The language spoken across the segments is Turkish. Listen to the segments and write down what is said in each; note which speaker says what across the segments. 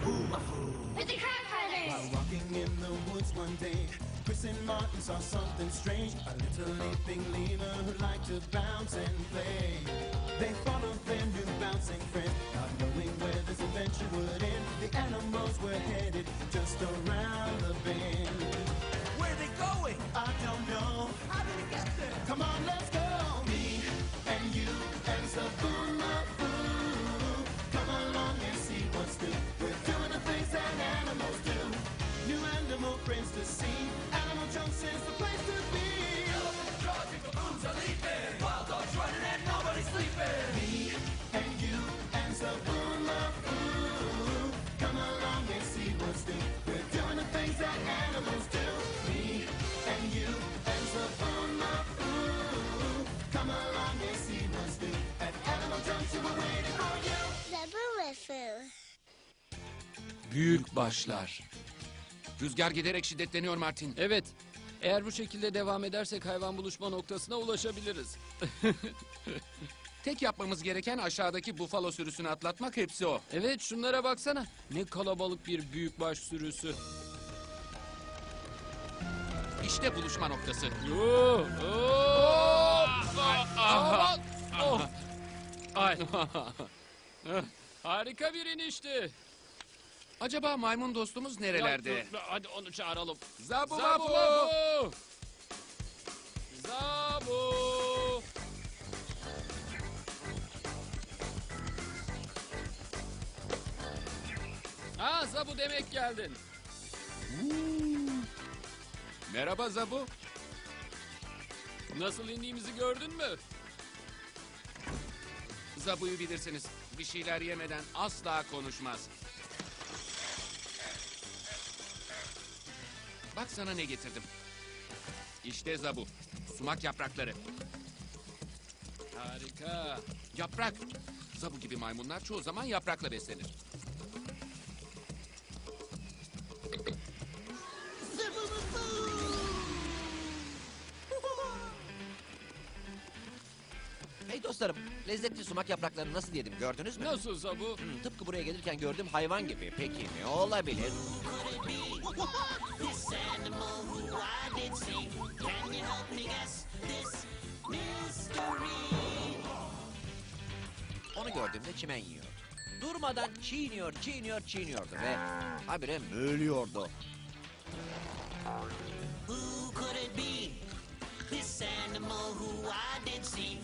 Speaker 1: It's the crab
Speaker 2: While
Speaker 1: fighters!
Speaker 2: walking in the woods one day, Chris and Martin saw something strange. A little leaping lemur who liked to bounce and play. They followed their new bouncing friend, not knowing where this adventure would end. The animals were headed just around the bend.
Speaker 3: Where are they going?
Speaker 2: I don't know.
Speaker 3: How did it get there?
Speaker 2: Come on, let's go. Me and you and Zaboo-Maboo. Come along and see what's new. We're doing the things that animals do. New animal friends to see. Animal Junction's the place to be.
Speaker 3: Elephants charging, baboons are leaping, wild dogs running and nobody's sleeping.
Speaker 2: Me and you and Zaboo-Maboo. Come along and see what's new. We're doing the things that animals do. Me and you and Zaboo-Maboo. Come along and see what's new. At Animal Junction we're waiting for you.
Speaker 4: Zaboo-Maboo.
Speaker 5: Büyük başlar.
Speaker 6: Rüzgar giderek şiddetleniyor Martin.
Speaker 5: Evet. Eğer bu şekilde devam edersek hayvan buluşma noktasına ulaşabiliriz.
Speaker 6: Tek yapmamız gereken aşağıdaki bufalo sürüsünü atlatmak, hepsi o.
Speaker 5: Evet, şunlara baksana. Ne kalabalık bir büyükbaş sürüsü.
Speaker 6: İşte buluşma noktası.
Speaker 5: Oh, oh, aman, oh. Ay. Harika bir inişti.
Speaker 6: Acaba maymun dostumuz nerelerde?
Speaker 5: Ya, dur, hadi onu çağıralım.
Speaker 6: Zabu
Speaker 5: Zabu!
Speaker 6: Babu!
Speaker 5: Zabu! Ha, Zabu demek geldin.
Speaker 6: Merhaba Zabu.
Speaker 5: Nasıl indiğimizi gördün mü?
Speaker 6: Zabu'yu bilirsiniz. Bir şeyler yemeden asla konuşmaz. Bak sana ne getirdim. İşte Zabu. Sumak yaprakları.
Speaker 5: Harika.
Speaker 6: Yaprak. Zabu gibi maymunlar çoğu zaman yaprakla beslenir.
Speaker 3: Hey dostlarım, lezzetli sumak yapraklarını nasıl yedim gördünüz mü?
Speaker 5: Nasıl Zabu?
Speaker 3: Tıpkı buraya gelirken gördüğüm hayvan gibi. Peki ne olabilir? Onu gördüğümde çimen yiyordu. Durmadan çiğniyordu ve habire mölüyordu.
Speaker 7: Who could it be? This animal who I did see.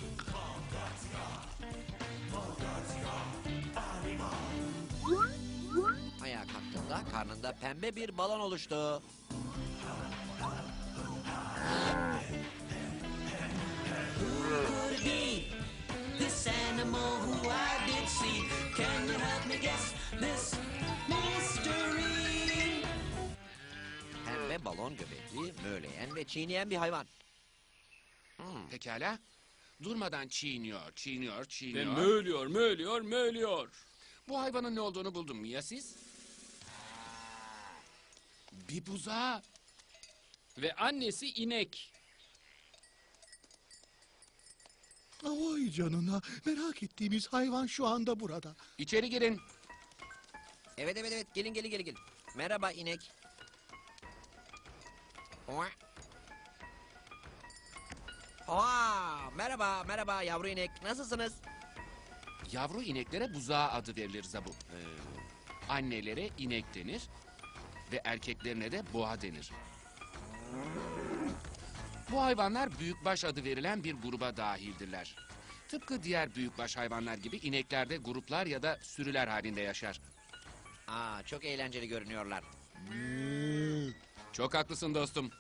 Speaker 3: Ayağa kalktığında karnında pembe bir balon oluştu.
Speaker 7: Could it be? This animal who I did see. Can you help me guess this mystery?
Speaker 3: Pembe balon göbekli, möleyen ve çiğneyen bir hayvan.
Speaker 6: Pekala. Durmadan çiğniyor.
Speaker 5: Ve mölüyor.
Speaker 6: Bu hayvanın ne olduğunu buldum. Ya siz? Bir buzağı.
Speaker 5: Ve annesi inek.
Speaker 8: Vay canına, merak ettiğimiz hayvan şu anda burada.
Speaker 6: İçeri girin.
Speaker 3: Evet, gelin. Merhaba inek. Merhaba yavru inek. Nasılsınız?
Speaker 6: Yavru ineklere buzağı adı verilir Zabu. Annelere inek denir ve erkeklerine de boğa denir. Bu hayvanlar büyükbaş adı verilen bir gruba dahildirler. Tıpkı diğer büyükbaş hayvanlar gibi inekler de gruplar ya da sürüler halinde yaşar.
Speaker 3: Çok eğlenceli görünüyorlar.
Speaker 6: Çok haklısın dostum.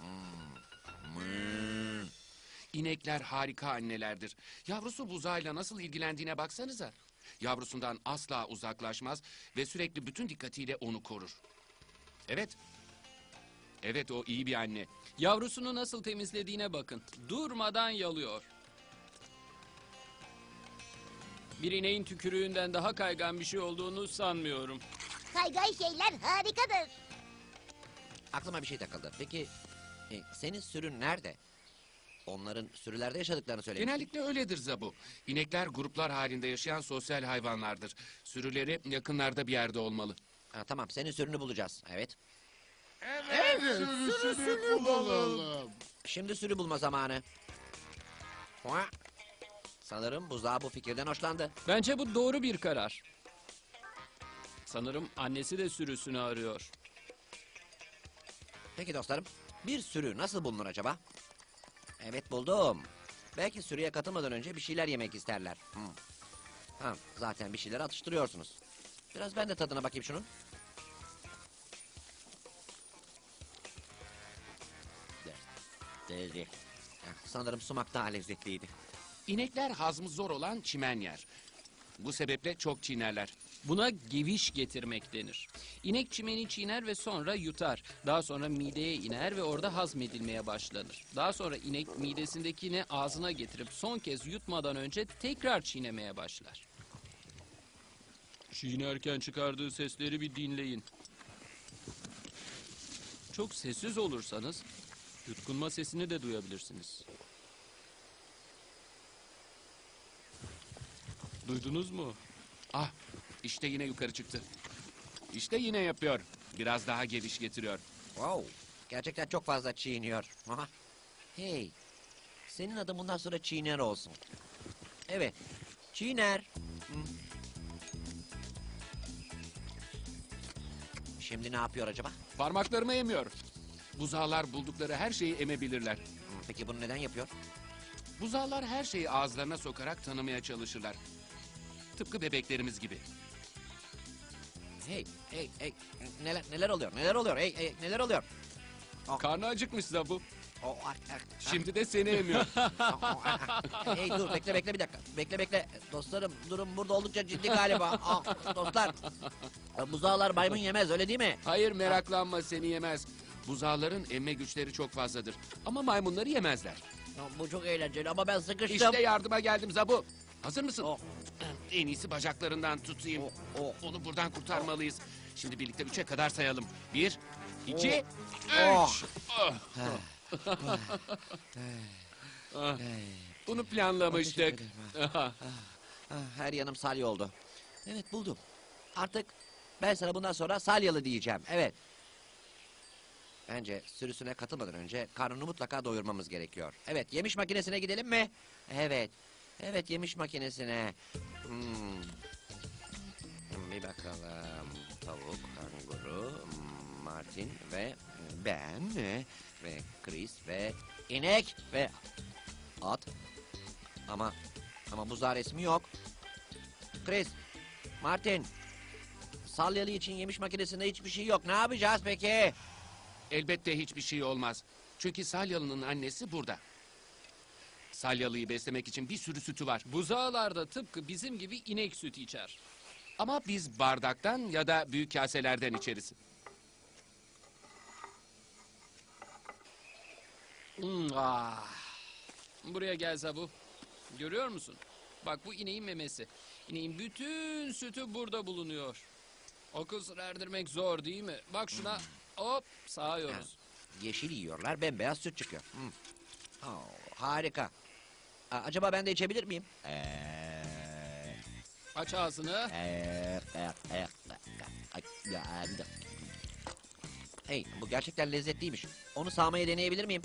Speaker 6: İnekler harika annelerdir. Yavrusu buzağıyla nasıl ilgilendiğine baksanıza. Yavrusundan asla uzaklaşmaz ve sürekli bütün dikkatiyle onu korur. Evet, o iyi bir anne.
Speaker 5: Yavrusunu nasıl temizlediğine bakın. Durmadan yalıyor. Bir ineğin tükürüğünden daha kaygan bir şey olduğunu sanmıyorum.
Speaker 4: Kaygan şeyler harikadır.
Speaker 3: Aklıma bir şey takıldı. Peki senin sürün nerede? Onların sürülerde yaşadıklarını söylemiştin.
Speaker 6: Genellikle öyledir Zabu. İnekler gruplar halinde yaşayan sosyal hayvanlardır. Sürüleri yakınlarda bir yerde olmalı.
Speaker 3: Tamam, senin sürünü bulacağız. Evet.
Speaker 1: Evet, sürüsünü bulalım.
Speaker 3: Şimdi sürü bulma zamanı. Hua. Sanırım buzağı bu fikirden hoşlandı.
Speaker 5: Bence bu doğru bir karar. Sanırım annesi de sürüsünü arıyor.
Speaker 3: Peki dostlarım, bir sürü nasıl bulunur acaba? Evet, buldum. Belki sürüye katılmadan önce bir şeyler yemek isterler. Ha, zaten bir şeyler atıştırıyorsunuz. Biraz ben de tadına bakayım şunun. Sanırım sumak daha lezzetliydi.
Speaker 6: İnekler hazmı zor olan çimen yer. Bu sebeple çok çiğnerler.
Speaker 5: Buna geviş getirmek denir. İnek çimeni çiğner ve sonra yutar. Daha sonra mideye iner ve orada hazmedilmeye başlanır. Daha sonra inek midesindekini ağzına getirip son kez yutmadan önce tekrar çiğnemeye başlar. Çiğnerken çıkardığı sesleri bir dinleyin. Çok sessiz olursanız yutkunma sesini de duyabilirsiniz. Duydunuz mu?
Speaker 6: Ah, işte yine yukarı çıktı. İşte yine yapıyor. Biraz daha geviş getiriyor.
Speaker 3: Wow, gerçekten çok fazla çiğniyor. Aha. Hey, senin adın bundan sonra Çiğner olsun. Evet, Çiğner. Şimdi ne yapıyor acaba?
Speaker 6: Parmaklarımı emiyor. Buzağlar buldukları her şeyi emebilirler.
Speaker 3: Peki bunu neden yapıyor?
Speaker 6: Buzağlar her şeyi ağızlarına sokarak tanımaya çalışırlar. Tıpkı bebeklerimiz gibi.
Speaker 3: Hey, neler oluyor? Neler oluyor? Hey, neler oluyor?
Speaker 5: Karnı acıkmış Zabu.
Speaker 6: Şimdi de seni emiyor.
Speaker 3: Hey dur, bekle bir dakika. Bekle. Dostlarım, durum burada oldukça ciddi galiba. Dostlar, buzağlar maymun yemez, öyle değil mi?
Speaker 6: Hayır, meraklanma, seni yemez. Buzağların emme güçleri çok fazladır. Ama maymunları yemezler.
Speaker 3: Bu çok eğlenceli ama ben sıkıştım.
Speaker 6: İşte yardıma geldim Zabu. Hazır mısın?
Speaker 3: Oh.
Speaker 6: En iyisi bacaklarından tutayım.
Speaker 3: Oh.
Speaker 6: Onu buradan kurtarmalıyız. Şimdi birlikte 3'e kadar sayalım. 1, 2, 3.
Speaker 3: Oh.
Speaker 6: Bunu planlamıştık.
Speaker 3: Her yanım salya oldu. Evet, buldum. Artık ben sana bundan sonra salyalı diyeceğim. Evet. Bence sürüsüne katılmadan önce karnını mutlaka doyurmamız gerekiyor. Evet, yemiş makinesine gidelim mi? Evet. Evet, yemiş makinesine. Bir bakalım. Tavuk, kanguru, Martin ve ben ve Chris ve inek ve at. Ama buzağı resmi yok. Chris, Martin, salyalı için yemiş makinesinde hiçbir şey yok. Ne yapacağız peki?
Speaker 6: Elbette hiçbir şey olmaz. Çünkü Salyalı'nın annesi burada. Salyalı'yı beslemek için bir sürü sütü var.
Speaker 5: Buzağlar da tıpkı bizim gibi inek sütü içer.
Speaker 6: Ama biz bardaktan ya da büyük kaselerden içeriz.
Speaker 5: Buraya gel Zabu. Görüyor musun? Bak, bu ineğin memesi. İneğin bütün sütü burada bulunuyor. O kısır erdirmek zor değil mi? Bak şuna. Hop, sağıyoruz.
Speaker 3: Yeşil yiyorlar, bembeyaz süt çıkıyor. Harika. Acaba ben de içebilir miyim?
Speaker 5: Aç ağzını.
Speaker 3: Hey, bu gerçekten lezzetliymiş. Onu sağmaya deneyebilir miyim?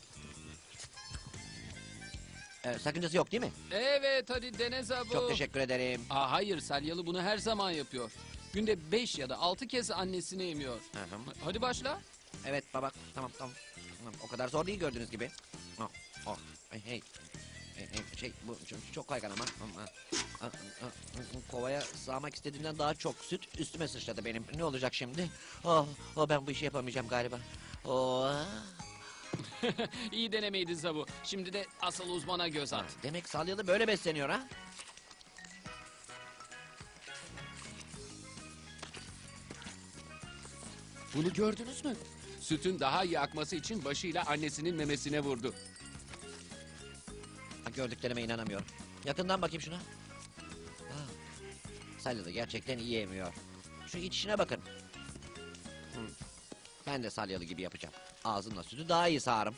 Speaker 3: Sakıncası yok değil mi?
Speaker 5: Evet, hadi dene Zabu.
Speaker 3: Çok teşekkür ederim.
Speaker 5: Hayır, Salyalı bunu her zaman yapıyor. Günde 5 ya da 6 kez annesini emiyor. Hadi başla.
Speaker 3: Evet baba, tamam. O kadar zor değil gördüğünüz gibi. Hey. Bu çok kaygan ama. Kovaya sağmak istediğimden daha çok süt üstüme sıçradı benim. Ne olacak şimdi? Ben bu işi yapamayacağım galiba.
Speaker 5: İyi denemeydi Zabu. Şimdi de asıl uzmana göz at.
Speaker 3: Demek salyalı böyle besleniyor ha?
Speaker 6: Bunu gördünüz mü? Sütün daha iyi akması için başıyla annesinin memesine vurdu.
Speaker 3: Gördüklerime inanamıyorum. Yakından bakayım şuna. Salyalı gerçekten iyi emiyor. Şu içişine bakın. Ben de salyalı gibi yapacağım. Ağzımla sütü daha iyi sağarım.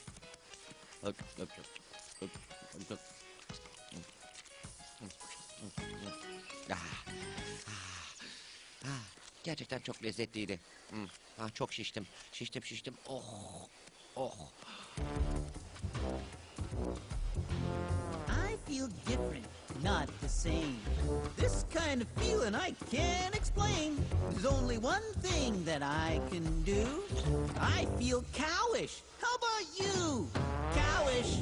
Speaker 3: gerçekten çok lezzetliydi. Çok şiştim. Şiştim. Oh.
Speaker 9: I feel different, not the same. This kind of feeling I can't explain. There's only one thing that I can do. I feel cowish. How about you? Cowish.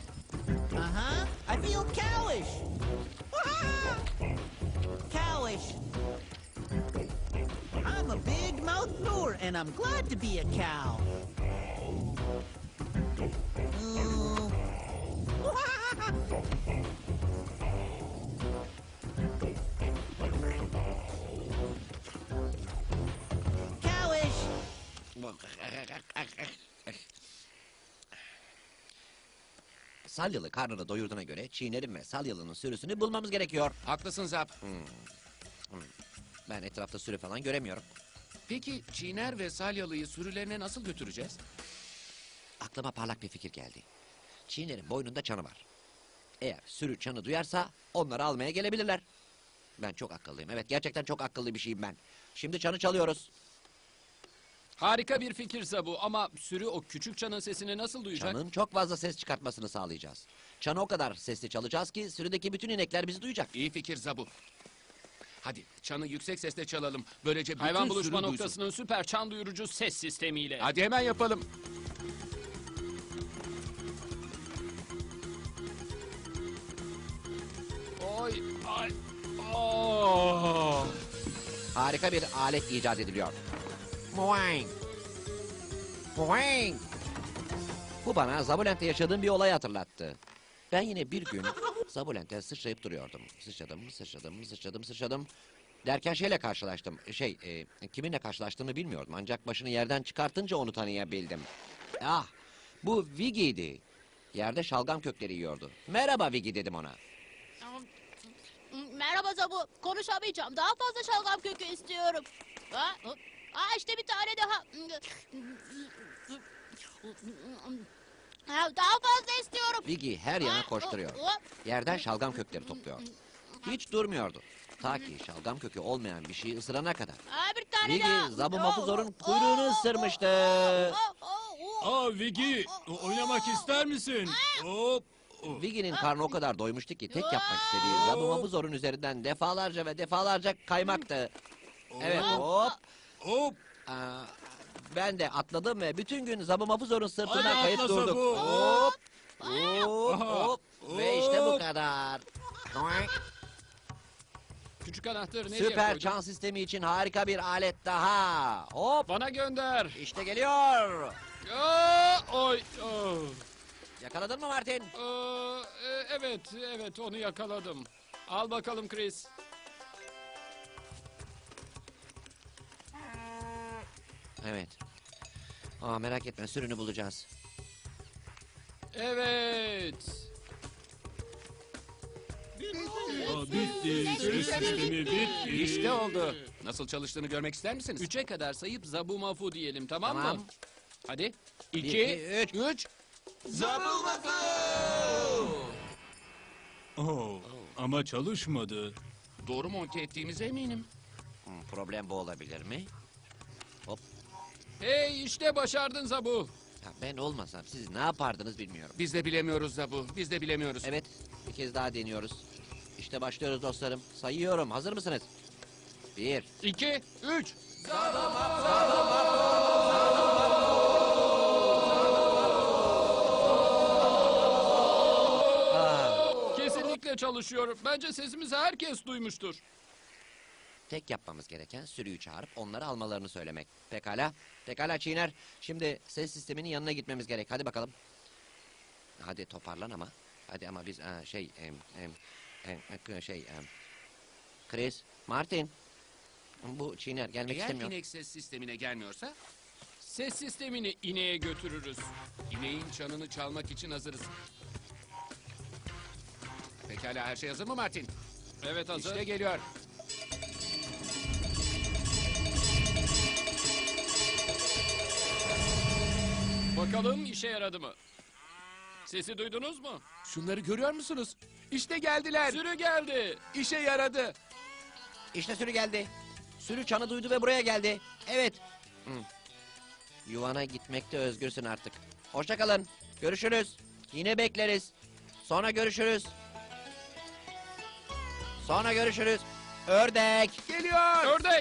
Speaker 9: I feel cowish. Cowish. I'm a big mouth blower, and I'm glad to be a cow. Ooh. Cowish.
Speaker 3: Salyalı karnını doyurduğuna göre çiğnerin ve salyalının sürüsünü bulmamız gerekiyor.
Speaker 6: Haklısın Zap.
Speaker 3: Ben etrafta sürü falan göremiyorum.
Speaker 6: Peki Çiğner ve Salyalı'yı sürülerine nasıl götüreceğiz?
Speaker 3: Aklıma parlak bir fikir geldi. Çiğnerin boynunda çanı var. Eğer sürü çanı duyarsa onları almaya gelebilirler. Ben çok akıllıyım. Evet, gerçekten çok akıllı bir şeyim ben. Şimdi çanı çalıyoruz.
Speaker 5: Harika bir fikir Zabu ama sürü o küçük çanın sesini nasıl duyacak?
Speaker 3: Çanın çok fazla ses çıkartmasını sağlayacağız. Çanı o kadar sesli çalacağız ki sürüdeki bütün inekler bizi duyacak.
Speaker 6: İyi fikir Zabu. Hadi çanı yüksek sesle çalalım. Böylece bütün
Speaker 5: Hayvan
Speaker 6: sürü
Speaker 5: buluşma
Speaker 6: duysun.
Speaker 5: noktasının süper çan duyurucu ses sistemiyle.
Speaker 6: Hadi hemen yapalım.
Speaker 5: Ay. Oh.
Speaker 3: Harika bir alet icat ediliyor. Boing. Boing. Bu bana Zabulent'te yaşadığım bir olayı hatırlattı. Ben yine bir gün Zabulent'te sıçrayıp duruyordum. Sıçradım. Derken şeyle karşılaştım. Kiminle karşılaştığımı bilmiyordum. Ancak başını yerden çıkartınca onu tanıyabildim. Ah, bu Viggy'di. Yerde şalgam kökleri yiyordu. Merhaba Viggy dedim ona.
Speaker 10: Merhaba Zabu. Konuşamayacağım. Daha fazla şalgam kökü istiyorum. İşte bir tane daha. Daha fazla istiyorum.
Speaker 3: Viggy her yana koşturuyor. Yerden şalgam kökleri topluyor. Hiç durmuyordu. Ta ki şalgam kökü olmayan bir şeyi ısırana kadar.
Speaker 10: Bir tane daha.
Speaker 3: Viggy Zabu Mafuzor'un kuyruğunu ısırmıştı.
Speaker 11: Viggy, oynamak ister misin? Hop.
Speaker 3: Viggy'nin karnı o kadar doymuştu ki tek yapmak istediği Zabu Mafuzor'un üzerinden defalarca kaymaktı. Evet,
Speaker 11: Hop.
Speaker 3: Ben de atladım ve bütün gün Zabu Mafuzor'un sırtına
Speaker 11: Hadi
Speaker 3: kayıp
Speaker 11: atla
Speaker 3: durduk.
Speaker 11: Zabu.
Speaker 3: Hop. Ve işte bu kadar.
Speaker 5: Küçük anahtarı nereye
Speaker 3: Süper
Speaker 5: koydun?
Speaker 3: çan sistemi için harika bir alet daha. Hop.
Speaker 5: Bana gönder.
Speaker 3: İşte geliyor.
Speaker 5: Oy.
Speaker 3: Yakaladın mı Martin?
Speaker 5: Evet onu yakaladım. Al bakalım Chris.
Speaker 3: Evet. Merak etme, sürünü bulacağız.
Speaker 5: Evet.
Speaker 11: Bitti. Ses sistemi bitti.
Speaker 6: İşte oldu. Nasıl çalıştığını görmek ister misiniz?
Speaker 5: 3'e kadar sayıp Zabu Mafu diyelim, tamam
Speaker 3: Tamam.
Speaker 5: mı? Hadi. 2,
Speaker 3: iki, üç.
Speaker 5: 3.
Speaker 11: Ama çalışmadı.
Speaker 6: Doğru monte ettiğimize eminim.
Speaker 3: Problem bu olabilir mi?
Speaker 5: Hey, işte başardın Zabu.
Speaker 3: Ya ben olmasam siz ne yapardınız bilmiyorum.
Speaker 6: Biz de bilemiyoruz Zabu. Biz de bilemiyoruz.
Speaker 3: Evet, bir kez daha deniyoruz. İşte başlıyoruz dostlarım. Sayıyorum. Hazır mısınız? 1,
Speaker 5: 2, 3. Kesinlikle çalışıyor. Bence sesimizi herkes duymuştur.
Speaker 3: Tek yapmamız gereken sürüyü çağırıp onları almalarını söylemek. Pekala. Pekala Çiğner. Şimdi ses sisteminin yanına gitmemiz gerek. Hadi bakalım. Hadi toparlan ama. Hadi ama biz Chris, Martin. Bu Çiğner gelmek
Speaker 6: Eğer
Speaker 3: istemiyor.
Speaker 6: inek ses sistemine gelmiyorsa
Speaker 5: Ses sistemini ineğe götürürüz.
Speaker 6: ineğin çanını çalmak için hazırız. Pekala, her şey hazır mı Martin?
Speaker 5: Evet, hazır.
Speaker 6: İşte geliyor.
Speaker 5: Bakalım işe yaradı mı? Sesi duydunuz mu?
Speaker 6: Şunları görüyor musunuz? İşte geldiler.
Speaker 5: Sürü geldi.
Speaker 6: İşe yaradı.
Speaker 3: İşte sürü geldi. Sürü çanı duydu ve buraya geldi. Evet. Hı. Yuvana gitmekte özgürsün artık. Hoşça kalın. Görüşürüz. Yine bekleriz. Sonra görüşürüz. Sonra görüşürüz. Ördek.
Speaker 6: Geliyor.
Speaker 5: Ördek.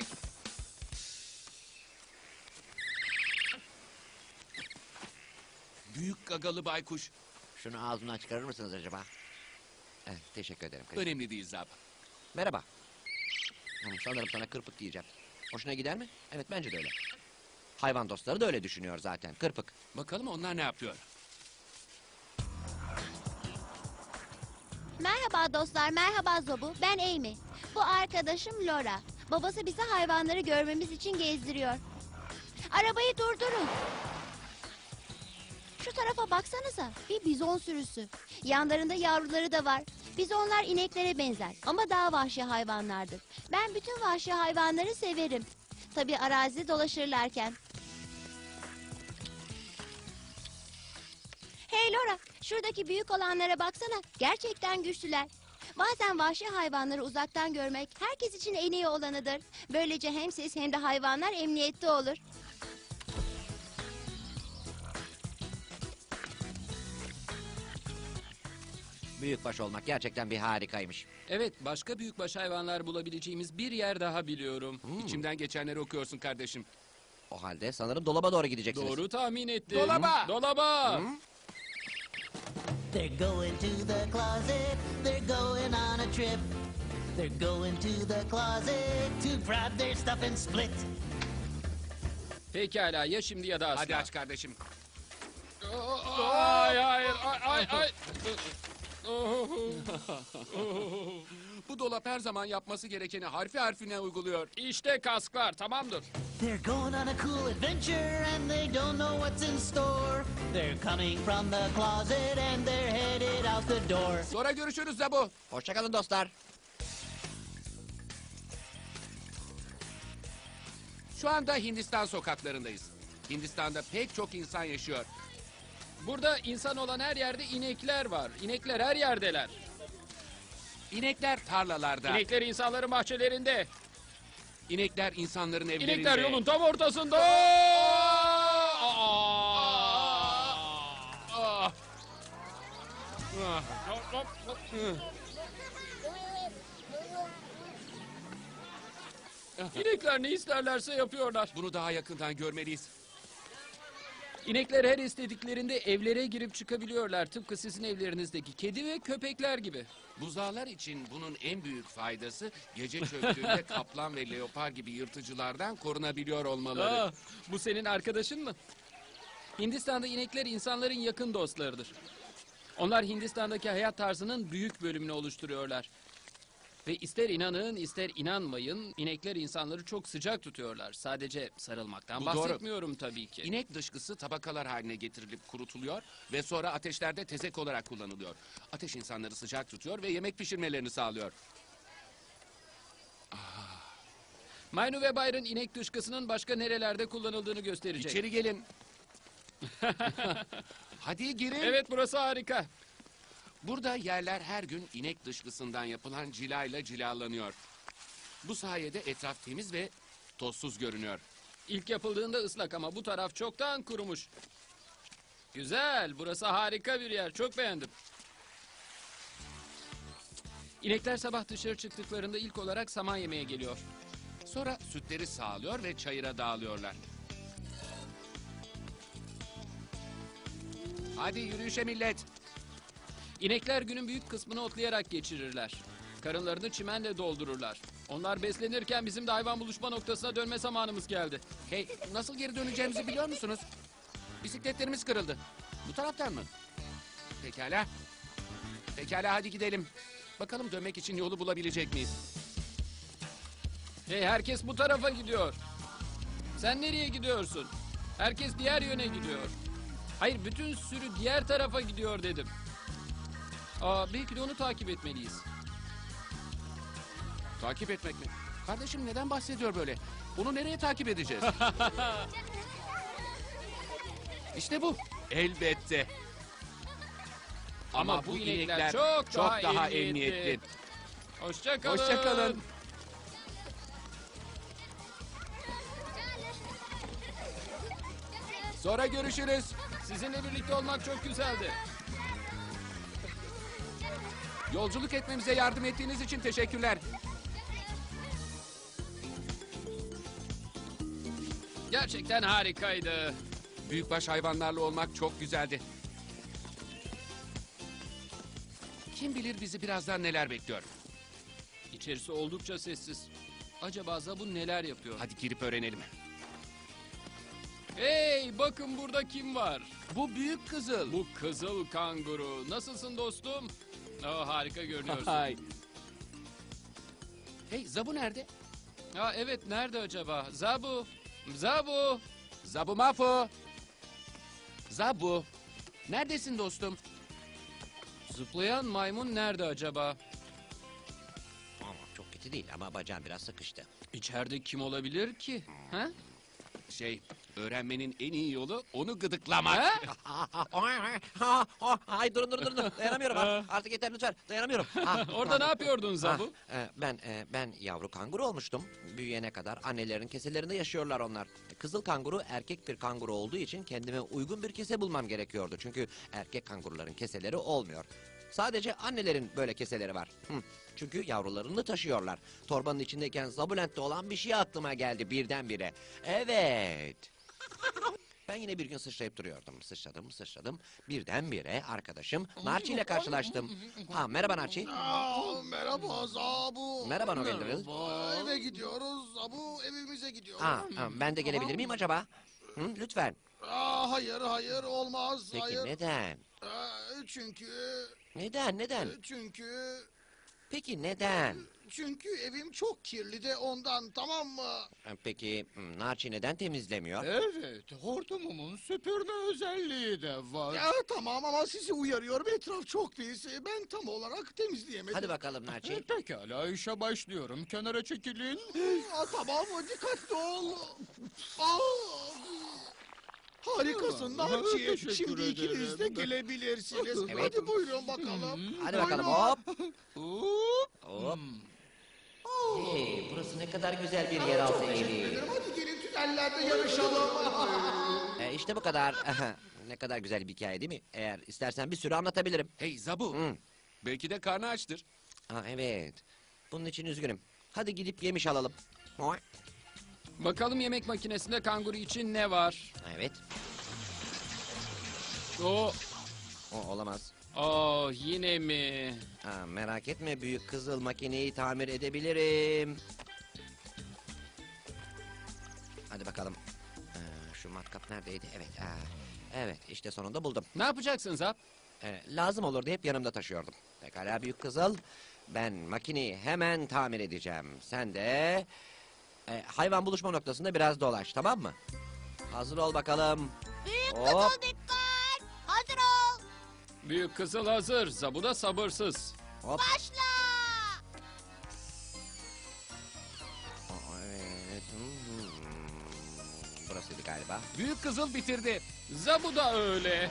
Speaker 6: Büyük gagalı baykuş.
Speaker 3: Şunu ağzından çıkarır mısınız acaba? Evet, teşekkür ederim.
Speaker 6: Önemli değil Zab.
Speaker 3: Merhaba. Sanırım sana kırpık diyeceğim. Hoşuna gider mi? Evet, bence de öyle. Hayvan dostları da öyle düşünüyor zaten. Kırpık.
Speaker 6: Bakalım onlar ne yapıyor?
Speaker 10: Merhaba dostlar, merhaba Zobu. Ben Amy. Bu arkadaşım Laura. Babası bizi hayvanları görmemiz için gezdiriyor. Arabayı durdurun. Şu tarafa baksanıza. Bir bizon sürüsü. Yanlarında yavruları da var. Bizonlar ineklere benzer ama daha vahşi hayvanlardır. Ben bütün vahşi hayvanları severim. Tabii arazide dolaşırlarken. Hey Laura, şuradaki büyük olanlara baksana. Gerçekten güçlüler. Bazen vahşi hayvanları uzaktan görmek herkes için en iyi olanıdır. Böylece hem siz hem de hayvanlar emniyette olur.
Speaker 3: Büyükbaş olmak gerçekten bir harikaymış.
Speaker 5: Evet, başka büyükbaş hayvanlar bulabileceğimiz bir yer daha biliyorum.
Speaker 6: İçimden geçenleri okuyorsun kardeşim.
Speaker 3: O halde sanırım dolaba doğru gideceksiniz.
Speaker 5: Doğru tahmin ettim.
Speaker 6: Dolaba!
Speaker 5: Dolaba!
Speaker 9: They're going to the closet, they're going on a trip. They're going to the closet to grab their stuff and split.
Speaker 5: Pekala, ya şimdi ya da asla.
Speaker 6: Hadi aç kardeşim.
Speaker 5: Ay, hayır, ay, ay.
Speaker 6: Bu dolap her zaman yapması gerekeni harfi harfine uyguluyor.
Speaker 5: İşte kasklar, tamamdır.
Speaker 9: They're going on a cool adventure and they don't know what's in store. They're coming from the closet and they're headed out the door.
Speaker 6: Sonra görüşürüz Zabu.
Speaker 3: Hoşçakalın dostlar.
Speaker 6: Şu anda Hindistan sokaklarındayız. Hindistan'da pek çok insan yaşıyor.
Speaker 5: Burada insan olan her yerde inekler var. İnekler her yerdeler.
Speaker 6: İnekler tarlalarda.
Speaker 5: İnekler insanların bahçelerinde.
Speaker 6: İnekler insanların evlerinde.
Speaker 5: İnekler yolun tam ortasında. İnekler ne isterlerse yapıyorlar.
Speaker 6: Bunu daha yakından görmeliyiz.
Speaker 5: İnekler her istediklerinde evlere girip çıkabiliyorlar. Tıpkı sizin evlerinizdeki kedi ve köpekler gibi.
Speaker 6: Buzağlar için bunun en büyük faydası gece çöktüğünde kaplan ve leopar gibi yırtıcılardan korunabiliyor olmaları.
Speaker 5: Aa, bu senin arkadaşın mı? Hindistan'da inekler insanların yakın dostlarıdır. Onlar Hindistan'daki hayat tarzının büyük bölümünü oluşturuyorlar. Ve ister inanın ister inanmayın inekler insanları çok sıcak tutuyorlar. Sadece sarılmaktan
Speaker 6: Bu doğru.
Speaker 5: bahsetmiyorum tabii ki.
Speaker 6: İnek dışkısı tabakalar haline getirilip kurutuluyor ve sonra ateşlerde tezek olarak kullanılıyor. Ateş insanları sıcak tutuyor ve yemek pişirmelerini sağlıyor.
Speaker 5: Maynu ve Byron inek dışkısının başka nerelerde kullanıldığını gösterecek.
Speaker 6: İçeri gelin. Hadi girin.
Speaker 5: Evet, burası harika.
Speaker 6: Burada yerler her gün inek dışkısından yapılan cilayla cilalanıyor. Bu sayede etraf temiz ve tozsuz görünüyor.
Speaker 5: İlk yapıldığında ıslak ama bu taraf çoktan kurumuş. Güzel, burası harika bir yer. Çok beğendim. İnekler sabah dışarı çıktıklarında ilk olarak saman yemeye geliyor.
Speaker 6: Sonra sütleri sağlıyor ve çayıra dağılıyorlar. Hadi yürüyüşe millet.
Speaker 5: İnekler günün büyük kısmını otlayarak geçirirler. Karınlarını çimenle doldururlar. Onlar beslenirken bizim de hayvan buluşma noktasına dönme zamanımız geldi.
Speaker 6: Hey, nasıl geri döneceğimizi biliyor musunuz? Bisikletlerimiz kırıldı. Bu taraftan mı? Pekala. Pekala, hadi gidelim. Bakalım dönmek için yolu bulabilecek miyiz?
Speaker 5: Hey, herkes bu tarafa gidiyor. Sen nereye gidiyorsun? Herkes diğer yöne gidiyor. Hayır, bütün sürü diğer tarafa gidiyor dedim. Belki de onu takip etmeliyiz.
Speaker 6: Takip etmek mi? Kardeşim neden bahsediyor böyle? Onu nereye takip edeceğiz? İşte bu. Elbette. Ama bu inekler çok daha emniyetli.
Speaker 5: Hoşça kalın.
Speaker 6: Hoşça kalın. Sonra görüşürüz.
Speaker 5: Sizinle birlikte olmak çok güzeldi.
Speaker 6: Yolculuk etmemize yardım ettiğiniz için teşekkürler.
Speaker 5: Gerçekten harikaydı.
Speaker 6: Büyükbaş hayvanlarla olmak çok güzeldi. Kim bilir bizi birazdan neler bekliyor.
Speaker 5: İçerisi oldukça sessiz. Acaba Zabu neler yapıyor?
Speaker 6: Hadi girip öğrenelim.
Speaker 5: Hey, bakın burada kim var?
Speaker 6: Bu büyük kızıl.
Speaker 5: Bu kızıl kanguru. Nasılsın dostum? Oh, harika görünüyorsun.
Speaker 6: Hay. Hey, Zabu nerede?
Speaker 5: Ha, evet, nerede acaba? Zabu. Zabu.
Speaker 6: Zabu Mafu. Zabu. Neredesin dostum?
Speaker 5: Zıplayan maymun nerede acaba?
Speaker 3: Ama çok kötü değil ama bacağım biraz sıkıştı.
Speaker 5: İçeride kim olabilir ki? Ha?
Speaker 6: Öğrenmenin en iyi yolu onu gıdıklamak.
Speaker 3: Ay durun. Dayanamıyorum. Artık yeter lütfen. Dayanamıyorum.
Speaker 5: Orada ne yapıyordun Zabu?
Speaker 3: Ben yavru kanguru olmuştum. Büyüyene kadar annelerin keselerinde yaşıyorlar onlar. Kızıl kanguru erkek bir kanguru olduğu için kendime uygun bir kese bulmam gerekiyordu. Çünkü erkek kanguruların keseleri olmuyor. Sadece annelerin böyle keseleri var. Çünkü yavrularını taşıyorlar. Torbanın içindeyken Zabulent'te olan bir şey aklıma geldi birdenbire. Evet. Ben yine bir gün sıçrayıp duruyordum. Sıçradım. Birdenbire arkadaşım Narçi ile karşılaştım. Merhaba Narçi.
Speaker 1: Merhaba Zabu.
Speaker 3: Merhaba Nogendril.
Speaker 1: Eve gidiyoruz Zabu, evimize gidiyoruz.
Speaker 3: Ben de gelebilir miyim acaba? Lütfen.
Speaker 1: Hayır olmaz.
Speaker 3: Peki
Speaker 1: hayır.
Speaker 3: neden?
Speaker 1: Çünkü
Speaker 3: Neden?
Speaker 1: çünkü
Speaker 3: Peki neden?
Speaker 1: çünkü evim çok kirli de ondan, tamam mı?
Speaker 3: Peki Narçi neden temizlemiyor?
Speaker 1: Evet, hortumumun süpürme özelliği de var. Ya tamam ama sizi uyarıyorum, etraf çok pis. Ben tam olarak temizleyemedim.
Speaker 3: Hadi bakalım Narçi.
Speaker 1: Pekala, işe başlıyorum. Kenara çekilin. Tamam, dikkatli ol. Harikasın Narçi. Şimdi ikiniz de gelebilirsiniz.
Speaker 3: Evet.
Speaker 1: Hadi buyurun bakalım.
Speaker 3: Hadi bakalım hop. Hop. Hey, burası ne kadar güzel bir yeraltı evi.
Speaker 1: Hadi gelin tünellerde yarışalım.
Speaker 3: İşte bu kadar. Ne kadar güzel bir hikaye değil mi? Eğer istersen bir sürü anlatabilirim.
Speaker 6: Hey Zabu. Belki de karnı açtır.
Speaker 3: Evet. Bunun için üzgünüm. Hadi gidip yemiş alalım.
Speaker 5: Bakalım yemek makinesinde kanguru için ne var?
Speaker 3: Evet.
Speaker 5: O
Speaker 3: Olamaz.
Speaker 5: yine mi?
Speaker 3: Merak etme, büyük kızıl makineyi tamir edebilirim. Hadi bakalım. Şu matkap neredeydi? Evet. Evet, işte sonunda buldum.
Speaker 5: Ne yapacaksın Zap?
Speaker 3: Lazım olur diye hep yanımda taşıyordum. Pekala büyük kızıl. Ben makineyi hemen tamir edeceğim. Sen de hayvan buluşma noktasında biraz dolaş, tamam mı? Hazır ol bakalım.
Speaker 4: Büyük
Speaker 3: Hop.
Speaker 4: kızıl dikkat. Hazır ol.
Speaker 5: Büyük kızıl hazır. Zabu da sabırsız.
Speaker 3: Hop.
Speaker 4: Başla.
Speaker 3: Evet. Burasıydı galiba.
Speaker 6: Büyük kızıl bitirdi.
Speaker 5: Zabu da öyle.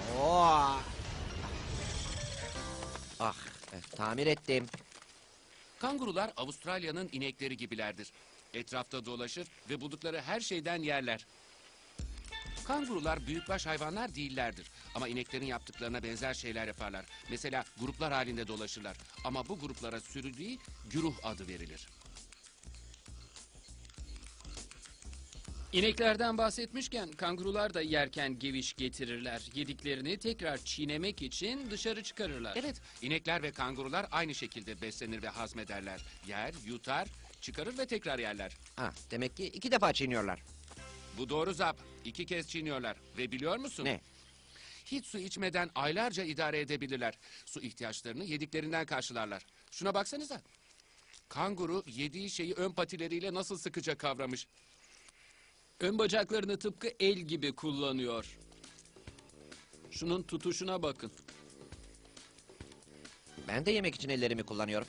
Speaker 3: Tamir ettim.
Speaker 6: Kangurular Avustralya'nın inekleri gibilerdir. Etrafta dolaşır ve buldukları her şeyden yerler. Kangurular büyükbaş hayvanlar değillerdir. Ama ineklerin yaptıklarına benzer şeyler yaparlar. Mesela gruplar halinde dolaşırlar. Ama bu gruplara sürü değil, güruh adı verilir.
Speaker 5: İneklerden bahsetmişken kangurular da yerken geviş getirirler. Yediklerini tekrar çiğnemek için dışarı çıkarırlar.
Speaker 6: Evet, inekler ve kangurular aynı şekilde beslenir ve hazmederler. Yer, yutar, çıkarır ve tekrar yerler.
Speaker 3: Demek ki 2 defa çiğniyorlar.
Speaker 6: Bu doğru Zap. 2 kez çiğniyorlar. Ve biliyor musun?
Speaker 3: Ne?
Speaker 6: Hiç su içmeden aylarca idare edebilirler. Su ihtiyaçlarını yediklerinden karşılarlar. Şuna baksanıza. Kanguru yediği şeyi ön patileriyle nasıl sıkıca kavramış.
Speaker 5: Ön bacaklarını tıpkı el gibi kullanıyor. Şunun tutuşuna bakın.
Speaker 3: Ben de yemek için ellerimi kullanıyorum.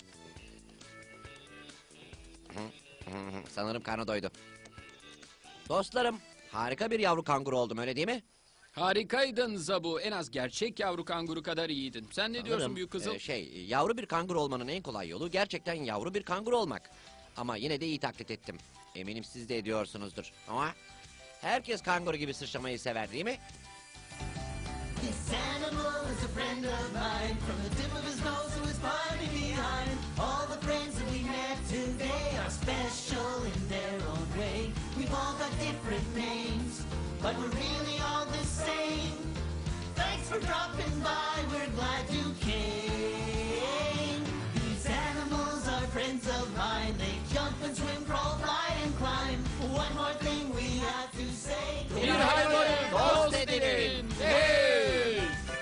Speaker 3: Sanırım karnı doydu. Dostlarım, harika bir yavru kanguru oldum, öyle değil mi?
Speaker 5: Harikaydın Zabu. En az gerçek yavru kanguru kadar iyiydin. Sen ne diyorsun
Speaker 3: Sanırım,
Speaker 5: büyük kızıl?
Speaker 3: Yavru bir kanguru olmanın en kolay yolu gerçekten yavru bir kanguru olmak. Ama yine de iyi taklit ettim. Eminim siz de ediyorsunuzdur. Ama Herkes kanguru gibi sıçramayı sever değil mi?
Speaker 7: This animal is a friend of mine. From the tip of his nose to his body behind. All the friends that we met today are special in their own way. We've all got different names, but we're really all the same. Thanks for dropping by, we're glad you came. These animals are friends of mine. They jump and swim, crawl, fly and climb. One more thing we have to say.
Speaker 5: Bir hayvanı dost edinin. Hey!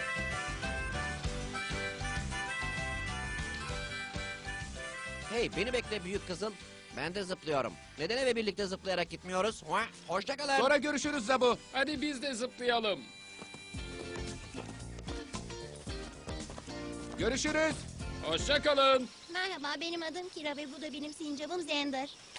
Speaker 3: Hey beni bekle büyük kızıl. Ben de zıplıyorum. Neden eve birlikte zıplayarak gitmiyoruz? Hoşça kalın.
Speaker 6: Sonra görüşürüz Zabu.
Speaker 5: Hadi biz de zıplayalım.
Speaker 6: Görüşürüz.
Speaker 5: Hoşça kalın.
Speaker 10: Merhaba, benim adım Kira ve bu da benim sincabım Zender.